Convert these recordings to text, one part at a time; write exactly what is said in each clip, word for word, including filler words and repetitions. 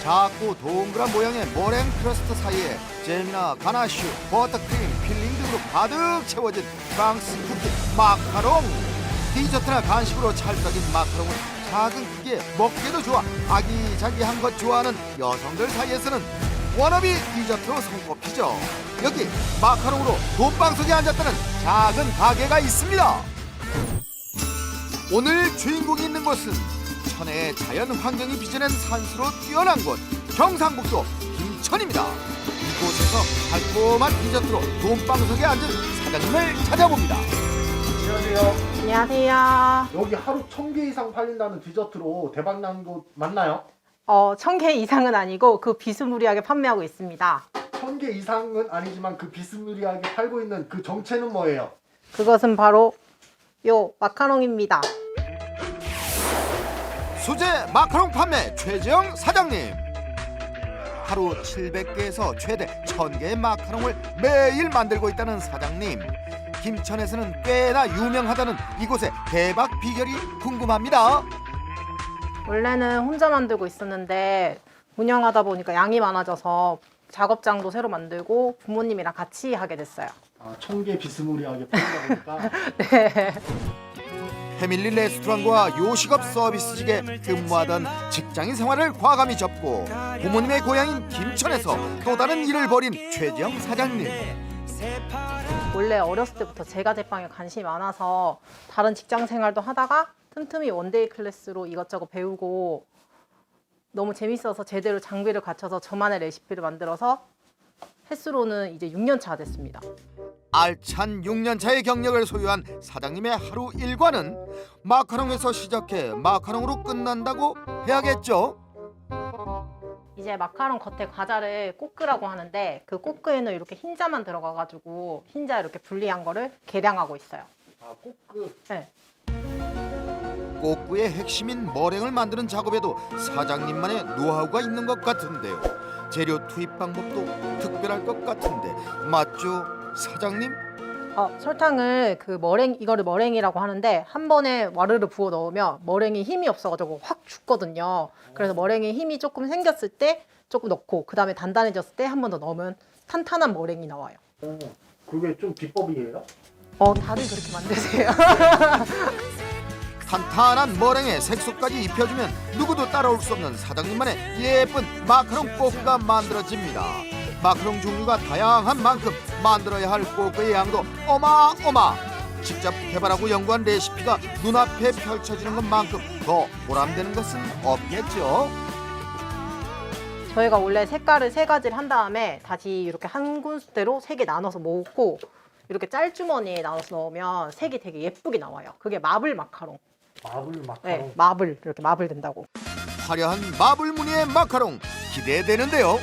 작고 동그란 모양의 머랭 크러스트 사이에 잼이나 가나슈, 버터크림, 필링 등으로 가득 채워진 프랑스 쿠키 마카롱. 디저트나 간식으로 찰떡인 마카롱은 작은 크기에 먹기도 좋아 아기자기한 것 좋아하는 여성들 사이에서는 워너비 디저트로 손꼽히죠. 여기 마카롱으로 돈방석에 앉았다는 작은 가게가 있습니다. 오늘 주인공이 있는 곳은 천혜의 자연 환경이 빚어낸 산수로 뛰어난 곳 경상북도 김천입니다. 이곳에서 달콤한 디저트로 돈방석에 앉은 사장님을 찾아봅니다. 안녕하세요. 안녕하세요. 여기 하루 천 개 이상 팔린다는 디저트로 대박난 곳 맞나요? 어, 천 개 이상은 아니고 그 비스무리하게 판매하고 있습니다. 천 개 이상은 아니지만 그 비스무리하게 팔고 있는 그 정체는 뭐예요? 그것은 바로 요 마카롱입니다. 수제 마카롱 판매 최재영 사장님. 하루 칠백 개에서 최대 천 개의 마카롱을 매일 만들고 있다는 사장님. 김천에서는 꽤나 유명하다는 이곳의 대박 비결이 궁금합니다. 원래는 혼자 만들고 있었는데 운영하다 보니까 양이 많아져서 작업장도 새로 만들고 부모님이랑 같이 하게 됐어요. 아, 천 개 비스무리하게 팔다 보니까 네. 패밀리 레스토랑과 요식업 서비스직에 근무하던 직장인 생활을 과감히 접고 부모님의 고향인 김천에서 또 다른 일을 벌인 최재영 사장님. 원래 어렸을 때부터 제과 제빵에 관심이 많아서 다른 직장 생활도 하다가 틈틈이 원데이 클래스로 이것저것 배우고 너무 재밌어서 제대로 장비를 갖춰서 저만의 레시피를 만들어서 횟수로는 이제 육 년 차 됐습니다. 알찬 육 년 차의 경력을 소유한 사장님의 하루 일과는 마카롱에서 시작해 마카롱으로 끝난다고 해야겠죠. 이제 마카롱 겉에 과자를 꼬끄라고 하는데 그 꼬끄에는 이렇게 흰자만 들어가가지고 흰자 이렇게 분리한 거를 계량하고 있어요. 아, 꼭 그 네. 꼬꾸의 핵심인 머랭을 만드는 작업에도 사장님만의 노하우가 있는 것 같은데요. 재료 투입 방법도 특별할 것 같은데 맞죠, 사장님? 어, 설탕을 그 머랭 이거를 머랭이라고 하는데 한 번에 와르르 부어 넣으면 머랭이 힘이 없어가지고 확 죽거든요. 그래서 머랭에 힘이 조금 생겼을 때 조금 넣고 그 다음에 단단해졌을 때 한 번 더 넣으면 탄탄한 머랭이 나와요. 어, 그게 좀 비법이에요? 어, 다들 그렇게 만드세요. 탄탄한 머랭에 색소까지 입혀주면 누구도 따라올 수 없는 사장님만의 예쁜 마카롱 꼬꾸가 만들어집니다. 마카롱 종류가 다양한 만큼 만들어야 할 꼬꾸의 양도 어마어마. 직접 개발하고 연구한 레시피가 눈앞에 펼쳐지는 것만큼 더 보람되는 것은 없겠죠. 저희가 원래 색깔을 세 가지를 한 다음에 다시 이렇게 한 군데로 세 개 나눠서 모으고 이렇게 짤주머니에 나눠서 넣으면 색이 되게 예쁘게 나와요. 그게 마블 마카롱. 마블 마카롱. 네, 마블 이렇게 마블 된다고. 화려한 마블 무늬의 마카롱 기대되는데요.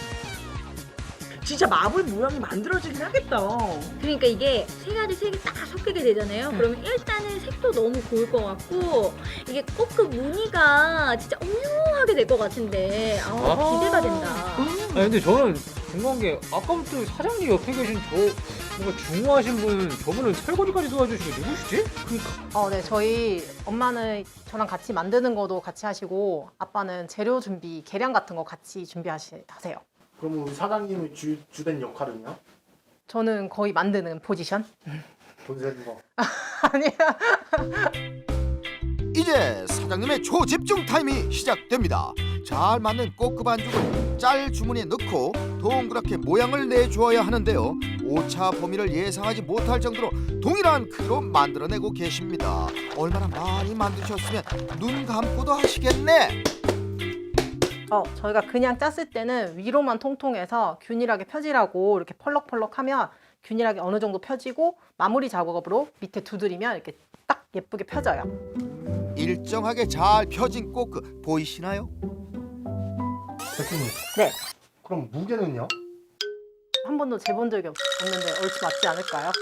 진짜 마블 모양이 만들어지긴 하겠다. 그러니까 이게 세 가지 색이 딱 섞이게 되잖아요. 그러면 일단은 색도 너무 고울 것 같고 이게 꼭 그 무늬가 진짜 오묘하게 될 것 같은데 아, 기대가 된다. 아니 근데 저는 궁금한 게 아까부터 사장님 옆에 계신 저 뭔가 중후하신 분 저분은 설거지까지 도와주시고 누구시지? 그러니까. 어, 네, 저희 엄마는 저랑 같이 만드는 것도 같이 하시고 아빠는 재료 준비, 계량 같은 거 같이 준비하세요. 그럼 우리 사장님이 주, 주된 역할은요? 저는 거의 만드는 포지션? 돈 세는 거. 아니야. 이제 사장님의 초집중 타임이 시작됩니다. 잘 맞는 꼬끄 반죽을 짤 주머니에 넣고 동그랗게 모양을 내주어야 하는데요. 오차 범위를 예상하지 못할 정도로 동일한 크기로 만들어내고 계십니다. 얼마나 많이 만드셨으면 눈 감고도 하시겠네. 어, 저희가 그냥 짰을 때는 위로만 통통해서 균일하게 펴지라고 이렇게 펄럭펄럭하면 균일하게 어느 정도 펴지고 마무리 작업으로 밑에 두드리면 이렇게 딱 예쁘게 펴져요. 일정하게 잘 펴진 꼬끄 보이시나요? 대표님. 네. 그럼 무게는요? 한 번도 재본 적이 없- 없는데 얼추 맞지 않을까요?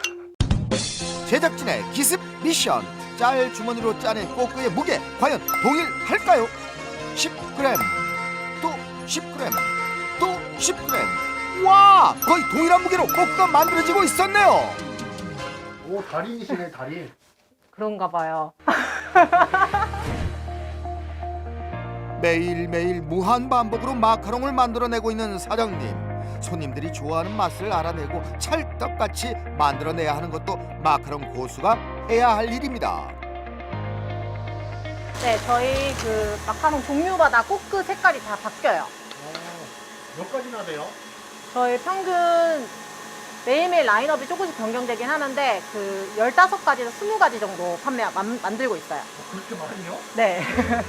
제작진의 기습 미션. 짤 주머니로 짜낸 꼬끄의 무게 과연 동일할까요? 십 그램, 또 십 그램, 또 십 그램. 와, 거의 동일한 무게로 꼬끄가 만들어지고 있었네요. 오, 달인이시네, 달인. 그런가 봐요. 매일매일 무한 반복으로 마카롱을 만들어내고 있는 사장님. 손님들이 좋아하는 맛을 알아내고 찰떡같이 만들어내야 하는 것도 마카롱 고수가 해야 할 일입니다. 네, 저희 그 마카롱 종류마다 꼬끄 색깔이 다 바뀌어요. 몇 가지나 돼요? 저희 평균 매일매일 라인업이 조금씩 변경되긴 하는데 그 열다섯 가지에서 스무 가지 정도 판매 만, 만들고 있어요. 그렇게 많이요? 네.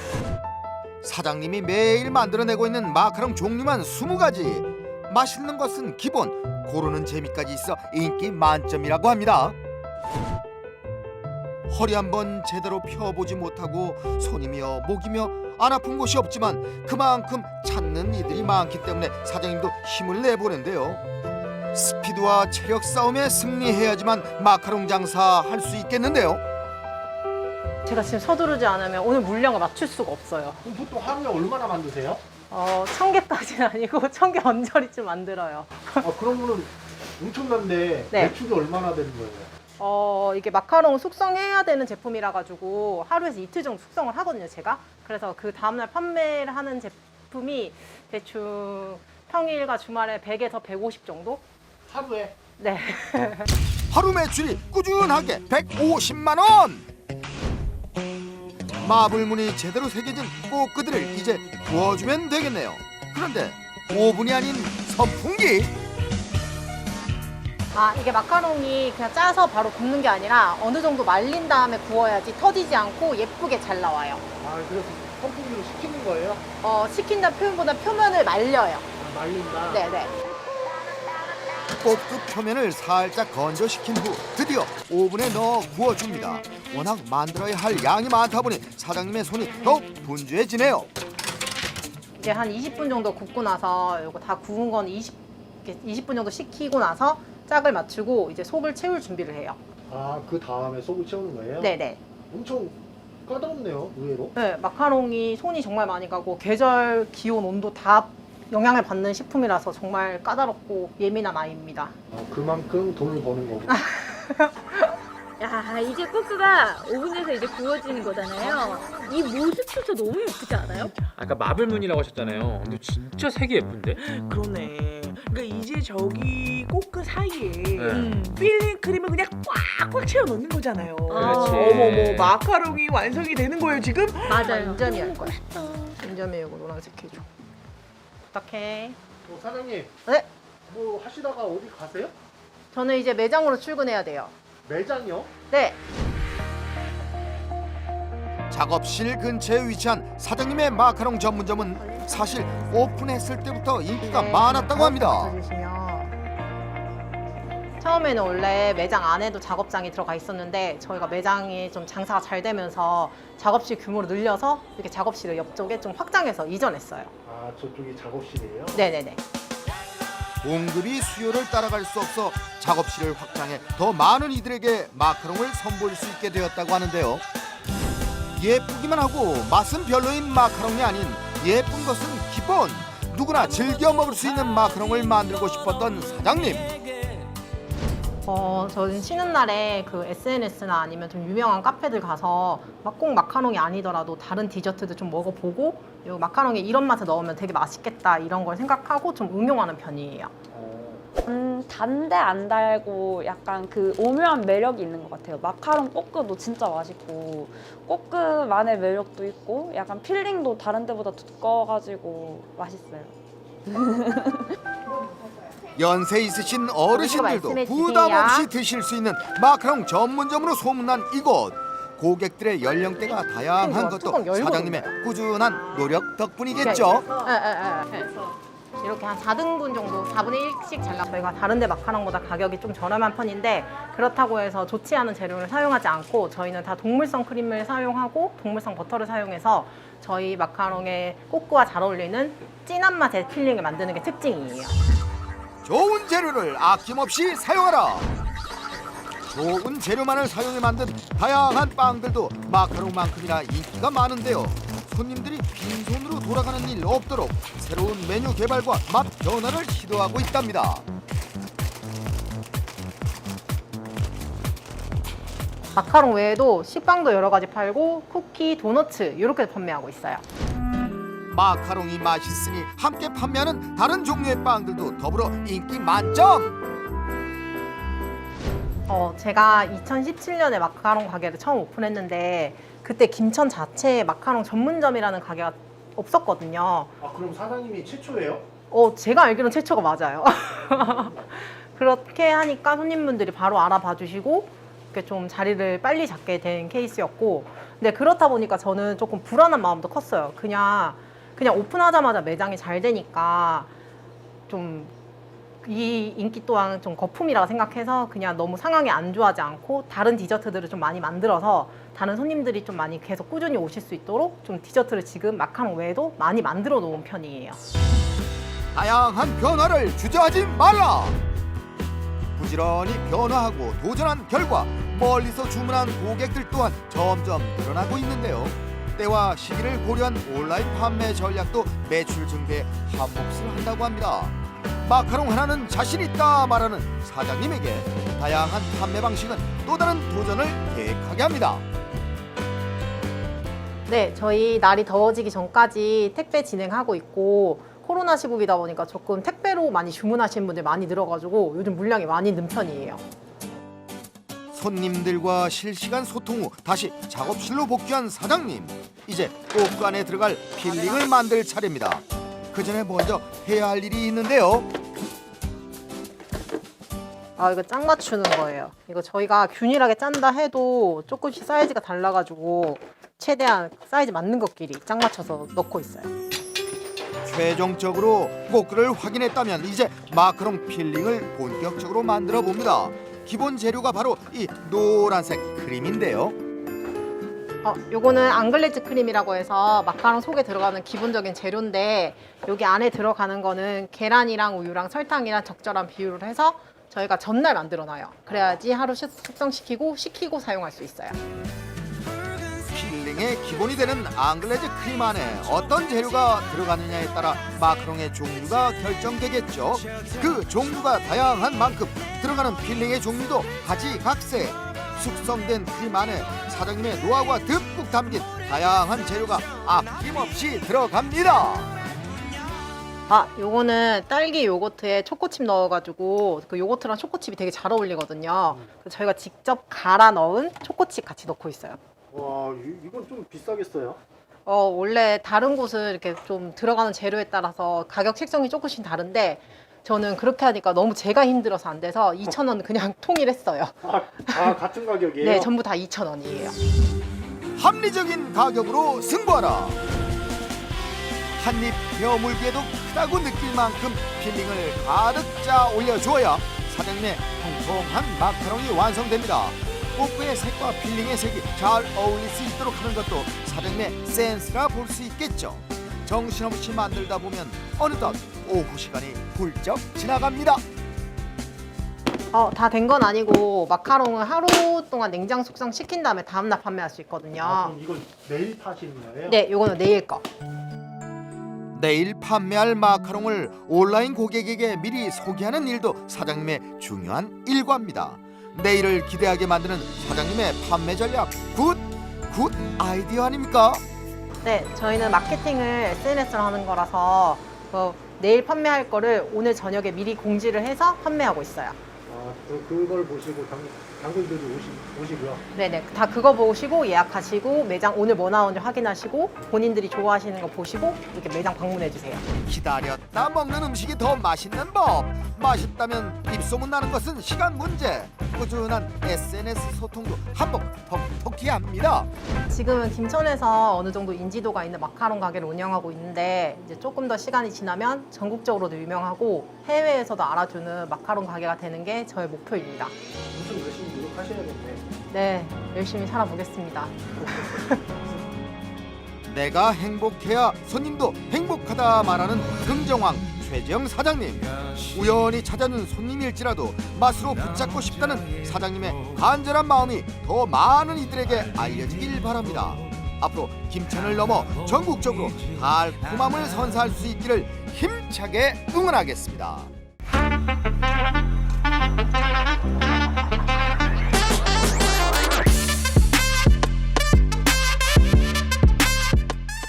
사장님이 매일 만들어내고 있는 마카롱 종류만 스무 가지. 맛있는 것은 기본, 고르는 재미까지 있어 인기 만점이라고 합니다. 허리 한번 제대로 펴보지 못하고 손이며 목이며 안 아픈 곳이 없지만 그만큼 찾는 이들이 많기 때문에 사장님도 힘을 내보는데요. 스피드와 체력 싸움에 승리해야지만 마카롱 장사 할 수 있겠는데요. 제가 지금 서두르지 않으면 오늘 물량을 맞출 수가 없어요. 그럼 보통 하루에 얼마나 만드세요? 어, 천 개까지는 아니고 천 개 언저리쯤 만들어요. 아 그러면은 엄청난데 네. 매출이 얼마나 되는 거예요? 어, 이게 마카롱 숙성해야 되는 제품이라 가지고 하루에서 이틀 정도 숙성을 하거든요, 제가. 그래서 그 다음날 판매를 하는 제품이 대충 평일과 주말에 백에서 백오십 정도? 하루에? 네. 하루 매출이 꾸준하게 백오십만 원! 마블문이 제대로 새겨진 꼬끄들을 이제 구워주면 되겠네요. 그런데 오븐이 아닌 선풍기? 아, 이게 마카롱이 그냥 짜서 바로 굽는 게 아니라 어느 정도 말린 다음에 구워야지 터지지 않고 예쁘게 잘 나와요. 아 그래서 선풍기로 식히는 거예요? 어, 식힌다는 표현보다 표면을 말려요. 아, 말린다? 네네. 꼬끄 표면을 살짝 건조시킨 후 드디어 오븐에 넣어 구워줍니다. 워낙 만들어야 할 양이 많다 보니 사장님의 손이 더욱 분주해지네요. 이제 한 이십 분 정도 굽고 나서 이거 다 구운 건 이십, 이십 분 정도 식히고 나서 짝을 맞추고 이제 속을 채울 준비를 해요. 아 그 다음에 속을 채우는 거예요? 네네. 엄청 까다롭네요 의외로. 네, 마카롱이 손이 정말 많이 가고 계절, 기온, 온도 다 영향을 받는 식품이라서 정말 까다롭고 예민한 아이입니다. 아, 그만큼 돈을 버는 거고. 야, 이제 꼬끄가 오븐에서 이제 구워지는 거잖아요. 이 모습부터 너무 예쁘지 않아요? 아까 마블문이라고 하셨잖아요. 근데 진짜 색이 예쁜데? 그러네. 그러니까 이제 저기 꼬끄 사이에 음. 필링 크림을 그냥 꽉꽉 채워 넣는 거잖아요. 그렇지. 어머머, 마카롱이 완성이 되는 거예요 지금? 맞아요. 인절미 할 거야. 인절미 이거 노란색 해줘. 부탁해. 어, 사장님 네, 뭐 하시다가 어디 가세요? 저는 이제 매장으로 출근해야 돼요. 매장이요? 네. 작업실 근처에 위치한 사장님의 마카롱 전문점은 사실 오픈했을 때부터 인기가 많았다고 합니다. 주시면 처음에는 원래 매장 안에도 작업장이 들어가 있었는데 저희가 매장이 좀 장사가 잘 되면서 작업실 규모를 늘려서 이렇게 작업실을 옆쪽에 좀 확장해서 이전했어요. 아 저쪽이 작업실이에요? 네네네. 공급이 수요를 따라갈 수 없어 작업실을 확장해 더 많은 이들에게 마카롱을 선보일 수 있게 되었다고 하는데요. 예쁘기만 하고 맛은 별로인 마카롱이 아닌 예쁜 것은 기본. 누구나 즐겨 먹을 수 있는 마카롱을 만들고 싶었던 사장님. 어, 저는 쉬는 날에 그 에스엔에스나 아니면 좀 유명한 카페들 가서 막 꼭 마카롱이 아니더라도 다른 디저트도 좀 먹어보고 이 마카롱에 이런 맛을 넣으면 되게 맛있겠다 이런 걸 생각하고 좀 응용하는 편이에요. 음, 단데 안 달고 약간 그 오묘한 매력이 있는 것 같아요. 마카롱 꼬끄도 진짜 맛있고 꼬끄만의 매력도 있고 약간 필링도 다른 데보다 두꺼워가지고 맛있어요. 연세 있으신 어르신들도 말씀해 부담 주세요. 없이 드실 수 있는 마카롱 전문점으로 소문난 이곳. 고객들의 연령대가 다양한 것도 뚜껑 열고 사장님의 꾸준한 노력 덕분이겠죠. 예, 예, 예. 이렇게 한 사 등분 정도, 사분의 일씩 잘라. 저희가 다른 데 마카롱보다 가격이 좀 저렴한 편인데 그렇다고 해서 좋지 않은 재료를 사용하지 않고 저희는 다 동물성 크림을 사용하고 동물성 버터를 사용해서 저희 마카롱의 꼬끄와 잘 어울리는 진한 맛의 필링을 만드는 게 특징이에요. 좋은 재료를 아낌없이 사용하라. 좋은 재료만을 사용해 만든 다양한 빵들도 마카롱만큼이나 인기가 많은데요. 손님들이 빈손으로 돌아가는 일 없도록 새로운 메뉴 개발과 맛 변화를 시도하고 있답니다. 마카롱 외에도 식빵도 여러 가지 팔고 쿠키, 도너츠 이렇게 판매하고 있어요. 마카롱이 맛있으니 함께 판매하는 다른 종류의 빵들도 더불어 인기 만점. 어, 제가 이천십칠 년에 마카롱 가게를 처음 오픈했는데 그때 김천 자체에 마카롱 전문점이라는 가게가 없었거든요. 아 그럼 사장님이 최초예요? 어, 제가 알기로는 최초가 맞아요. 그렇게 하니까 손님분들이 바로 알아봐 주시고 이렇게 좀 자리를 빨리 잡게 된 케이스였고, 근데 그렇다 보니까 저는 조금 불안한 마음도 컸어요. 그냥 그냥 오픈하자마자 매장이 잘 되니까 좀 이 인기 또한 좀 거품이라고 생각해서 그냥 너무 상황이 안 좋아하지 않고 다른 디저트들을 좀 많이 만들어서 다른 손님들이 좀 많이 계속 꾸준히 오실 수 있도록 좀 디저트를 지금 마카롱 외에도 많이 만들어 놓은 편이에요. 다양한 변화를 주저하지 말라. 부지런히 변화하고 도전한 결과 멀리서 주문한 고객들 또한 점점 늘어나고 있는데요. 때와 시기를 고려한 온라인 판매 전략도 매출 증대에 한 몫을 한다고 합니다. 마카롱 하나는 자신 있다 말하는 사장님에게 다양한 판매 방식은 또 다른 도전을 계획하게 합니다. 네, 저희 날이 더워지기 전까지 택배 진행하고 있고, 코로나 시국이다 보니까 조금 택배로 많이 주문하시는 분들 많이 늘어가지고 요즘 물량이 많이 는 편이에요. 손님들과 실시간 소통 후 다시 작업실로 복귀한 사장님. 이제 꼬끄 안에 들어갈 필링을 만들 차례입니다. 그 전에 먼저 해야 할 일이 있는데요. 아, 이거 짝 맞추는 거예요. 이거 저희가 균일하게 짠다 해도 조금씩 사이즈가 달라가지고 최대한 사이즈 맞는 것끼리 짝 맞춰서 넣고 있어요. 최종적으로 꼬끄를 확인했다면 이제 마카롱 필링을 본격적으로 만들어 봅니다. 기본 재료가 바로 이 노란색 크림인데요. 어, 요거는 앙글레즈 크림이라고 해서 마카롱 속에 들어가는 기본적인 재료인데, 여기 안에 들어가는 거는 계란이랑 우유랑 설탕이랑 적절한 비율을 해서 저희가 전날 만들어 놔요. 그래야지 하루 숙성시키고 식히고 사용할 수 있어요. 필링의 기본이 되는 앙글레즈 크림 안에 어떤 재료가 들어가느냐에 따라 마카롱의 종류가 결정되겠죠. 그 종류가 다양한 만큼 들어가는 필링의 종류도 가지각색. 숙성된 크림 안에 사장님의 노하우가 듬뿍 담긴 다양한 재료가 아낌없이 들어갑니다. 아, 요거는 딸기 요거트에 초코칩 넣어가지고 그 요거트랑 초코칩이 되게 잘 어울리거든요. 그래서 저희가 직접 갈아 넣은 초코칩 같이 넣고 있어요. 와 이, 이건 좀 비싸겠어요? 어, 원래 다른 곳은 이렇게 좀 들어가는 재료에 따라서 가격 책정이 조금씩 다른데, 저는 그렇게 하니까 너무 제가 힘들어서 안 돼서 이천 원 그냥 통일했어요. 아, 아 같은 가격이에요? 네, 전부 다 이천 원이에요. 합리적인 가격으로 승부하라. 한입 베어물기에도 크다고 느낄 만큼 필링을 가득 짜 올려줘야 사장님의 통통한 마카롱이 완성됩니다. 꼬끄의 색과 필링의 색이 잘 어울릴 수 있도록 하는 것도 사장님의 센스라 볼 수 있겠죠. 정신없이 만들다 보면 어느덧 오후 시간이 훌쩍 지나갑니다. 어, 다 된 건 아니고 마카롱은 하루 동안 냉장 숙성 시킨 다음에 다음날 판매할 수 있거든요. 아, 그럼 이건 내일 파시는 거예요? 네, 요거는 내일 거. 내일 판매할 마카롱을 온라인 고객에게 미리 소개하는 일도 사장님의 중요한 일과입니다. 내일을 기대하게 만드는 사장님의 판매 전략, 굿! 굿 아이디어 아닙니까? 네, 저희는 마케팅을 에스엔에스로 하는 거라서 어, 내일 판매할 거를 오늘 저녁에 미리 공지를 해서 판매하고 있어요. 아, 그, 그걸 보시고 당, 당근들이 오시, 오시고요. 네네, 다 그거 보시고 예약하시고 매장 오늘 뭐 나오는지 확인하시고 본인들이 좋아하시는 거 보시고 이렇게 매장 방문해 주세요. 기다렸다 먹는 음식이 더 맛있는 법. 맛있다면 입소문 나는 것은 시간 문제. 꾸준한 에스엔에스 소통도 한몫 톡톡히 합니다. 지금은 김천에서 어느 정도 인지도가 있는 마카롱 가게를 운영하고 있는데, 이제 조금 더 시간이 지나면 전국적으로도 유명하고 해외에서도 알아주는 마카롱 가게가 되는 게 저의 목표입니다. 무슨 열심히 노력하셔야겠네. 네, 열심히 살아보겠습니다. 내가 행복해야 손님도 행복하다 말하는 긍정왕 최재영 사장님. 우연히 찾아는 손님일지라도 맛으로 붙잡고 싶다는 사장님의 간절한 마음이 더 많은 이들에게 알려지길 바랍니다. 앞으로 김천을 넘어 전국적으로 달콤함을 선사할 수 있기를 힘차게 응원하겠습니다.